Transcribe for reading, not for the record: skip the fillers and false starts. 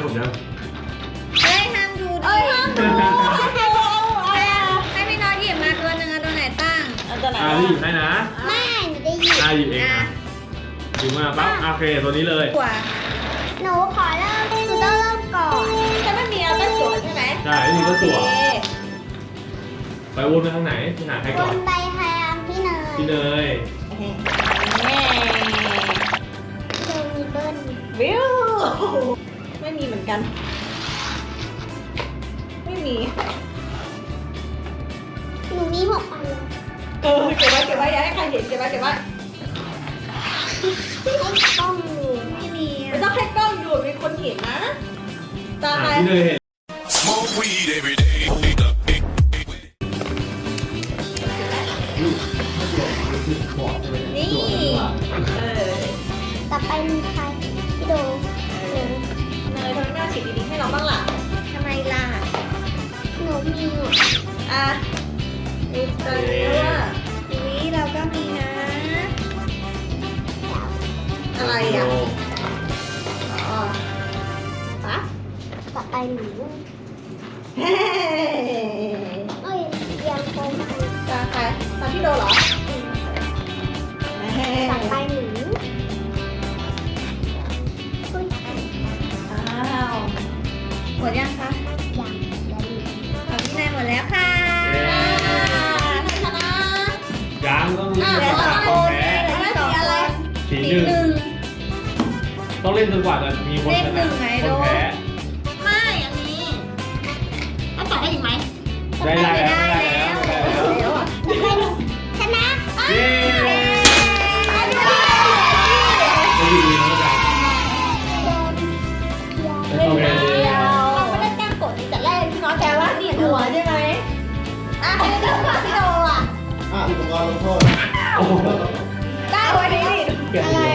มยังเฮ้ยห้ามดูห้ามดูให้พี่น้อยหยิบมาตัวหนึ่งตัวไหนตั้งตัวไหนพี่หยิบให้นะไม่หนูได้หยิบหยิบเองนะหยิบมาปั๊บโอเคตัวนี้เลยตัวหนูขอเริ่มหนูต้องเริ่มก่อนจะไม่มีเอาแต่สวยใช่ไหมใช่นี่ก็ตัวไปวนไปทางไหนที่หาใครบก่อนนใบแฮมพี่เนยพี่เนยเจมีเบิ้ลวิวไม่มีเหมือนกัน ไม่มีหนูมี6 อันเลยเก็บไว้อย่าให้ใครเห็นเก็บไว้ให้กล้องดูไม่มีไม่ต้องให้กล้องดูมีคนเห็นนะตาใครพี่เนยเห็น Smoke weed every day. นี่ต่อไปมีใครพี่โดหนูเนยทำไมไม่เอาฉีดดีๆให้เราบ้างล่ะทำไมล่ะหนูมีอยู่อ่ะดูตอนนี้ว่าอุ้ยเราก็มีนะอะไรอ่ะอ๋อปะต่อไปหนูเฮ้เอ้ยยังโตมาตาใครตาพี่โดเหรอต่อไปหนูเฮ้ยอ้าวหมดยังคะยังแล้วมีของพี่นายหมดแล้วค่ะชนะยังต้องเล่นเดี๋ยวจนกต้ว่าองคนแพ้ไม่สีอะไรสีสีหนึ่งหนึ่งต้องเล่นจนกว่าจะมีคนชเลขหนึ่นะงไหนคนโดแพ้ไม่อันนี้ต้องต่อได้อีกไหมได้แล้วได้แล้วได้แล้วเดี๋ยวอ่ะต่อไปหนูชนะเย้ไม่ดีนะจ๊ะโดนโอเคเราไม่ได้แกล้งกดแต่แรกพี่น้องแกว่าเนียนหัวใช่ไหมอ่ะพี่โดอ่ะอุปกรณ์ลงโทษโอ้โหได้วันนี้เปลี่ยนอะไร